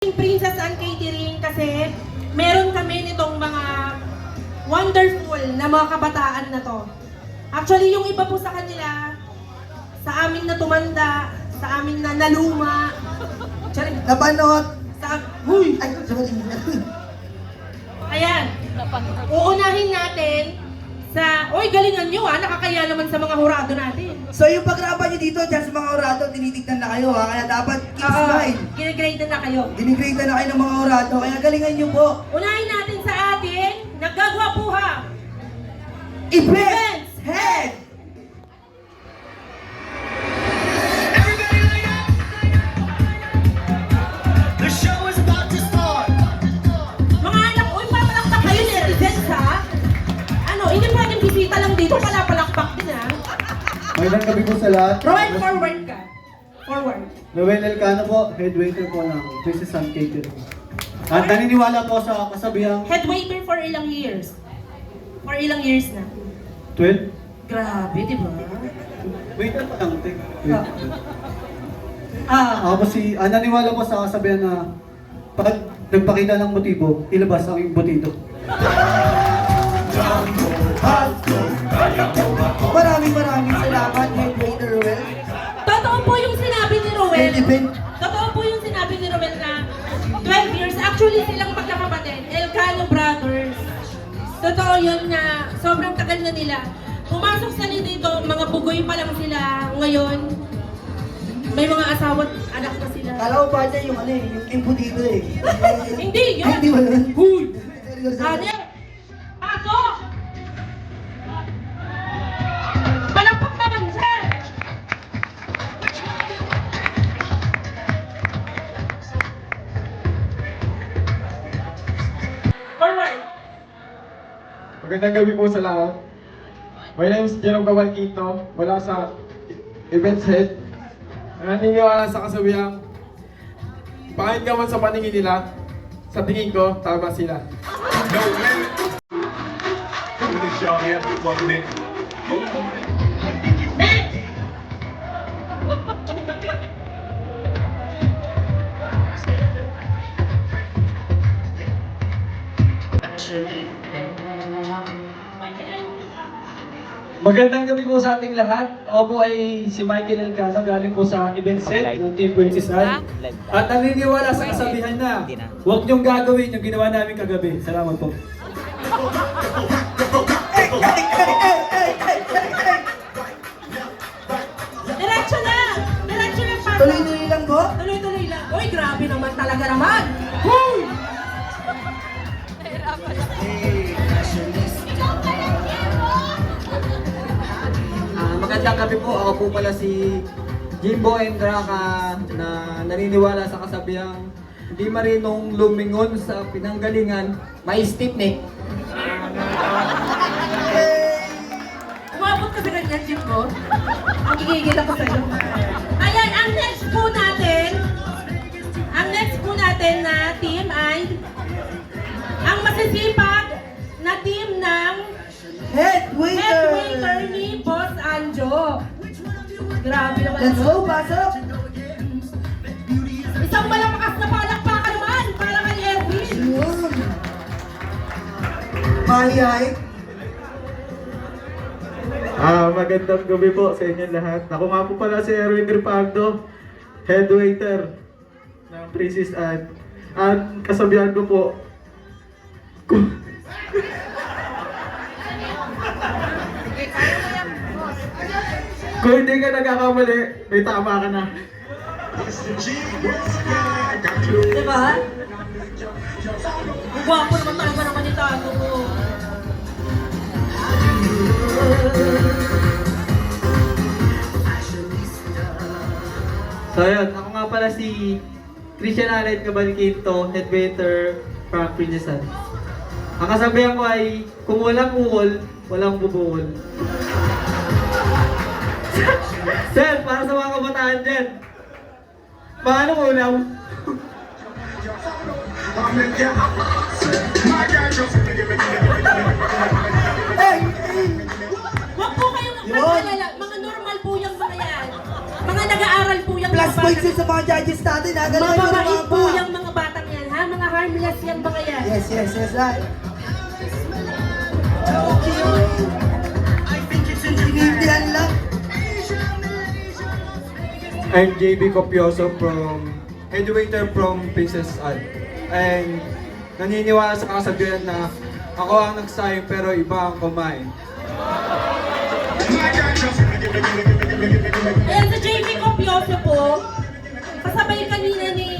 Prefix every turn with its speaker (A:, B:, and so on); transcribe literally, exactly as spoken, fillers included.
A: Team Princess and Catering kasi meron kami nitong mga wonderful na mga kabataan na to. Actually, yung iba po sa kanila, sa amin na tumanda, sa amin na naluma, Charing,
B: Nabanot!
A: sa... Huy!
B: Ay, sorry.
A: Ayan, uunahin natin sa... Uy, galingan nyo ah, nakakaya naman sa mga hurado natin.
B: So yung pagrapan nyo dito, dyan sa mga orado, tinitignan na kayo ha, kaya dapat keep
A: Oo,
B: smile.
A: ginigrade na kayo.
B: Dinigrade na kayo ng mga orado, kaya galingan nyo po.
A: Unahin natin sa atin, naggagwapuha.
B: Events Head!
C: The show is about to start.
A: Mga anak, uy, papalakpak kayo ni Events ha. Ano, hindi pwedeng bisita lang dito, palapalakpak din ha.
D: Magandang gabi po sa lahat.
A: Rowan, forward ka. Forward.
D: Noel Elcano po, head waiter po ng Princess and Catering. At naniniwala po sa kasabihang
A: Head waiter for ilang years? For ilang years na?
D: twelve.
A: Grabe, di ba?
D: Waiter pa lang, tek.
A: Ah. Ah,
D: Ako po si, ah, naniniwala po sa kasabihan na pag nagpakita ng motibo, ilabas ang iyong butido.
B: Maraming maraming salamat, Head Waiter Ruel.
A: totoo po yung sinabi ni Roel.
B: Head Event.
A: Totoo po yung sinabi ni Roel na twelve years. Actually, silang magkakapatid. Elcano Brothers. Totoo yun na sobrang tagal na nila. Pumasok sa dito, mga bugoy pa lang sila. Ngayon, may mga asawa at anak na sila.
B: Kala ko ba niya yung ano eh, yung kimpo dito eh.
A: Hindi, yun.
B: Ay, hindi wala.
A: Huy!
B: Seryoso.
A: Ane! Pasok! Palakpak naman, sir! Forward!
E: Magandang gabi po sa lahat. My name is Jerome Cavalquito, mula sa Events Head. Naniniwala sa kasabihang, pangit ka man sa paningin nila, sa tingin ko, tama sila.
C: No limit. With this y'all here, one minute.
F: Magandang gabi po sa ating lahat. Ako po ay si Michael Elcano, galing po sa event set ng Team Princess Anne. At naniniwala sa kasabihan na huwag niyong gagawin yung ginawa namin kagabi. Salamat po.
A: Diretso na! Diretso na, pasok!
B: Tuloy-tuloy lang po.
A: Tuloy-tuloy lang. Uy, grabe naman talaga naman! Huy!
G: Ah, magandang gabi po. Ako po pala si Jimbo Endraka na naniniwala sa kasabihang hindi marinong lumingon sa pinanggalingan, may stiff neck.
A: Umabot ka sa ganyan, Jim ko. Ang gigigil ako sa'yo. Ayan, ang next po natin, ang next po natin na team ay ang masisipag na team ng
B: Head
A: head
B: Waiter!
A: waiter ni Boss Anjo. Grabe naman.
B: Let's
A: ano?
B: go, pasok!
A: Isang malakas na palakpakan naman para kay Erwin.
B: Yun. Mahihay.
E: Ah, magandang gabi po sa inyo lahat. Ako nga po pala si Erwin Gripardo, head waiter ng Princess Anne. At kasabihan ko po, kung, kung hindi ka nagkakamali, may tama ka na.
A: Diba? Ang gwapo naman talaga naman ni Tago ko.
G: So yun, ako nga pala si Christian Alet Cavalquito, head waiter from Princess Anne. Ang kasabihan ko ay, kung walang ukol, walang bubukol. Sir, para sa mga kabataan dyan, paano ulaw?
A: Huwag po kayong
B: Yun.
A: mag-alala. Mga normal po yung mga yan. Mga nag-aaral po yung
B: Plus
A: mga
B: points
A: bata.
B: yun sa mga judges natin ha. Galingan nyo
A: Mababait
B: naman
A: po
B: pa.
A: yung mga batang Pinas yan mga yan.
B: Yes, yes, yes, ay. Tinitindihan lang.
E: I'm J B Copioso from Headwaiter from Princess Anne. And naniniwala sa kasabihan na ako ang nagsayang pero iba ang kumain.
A: Ayan, sa J P Copioso po, kasabay kanina ni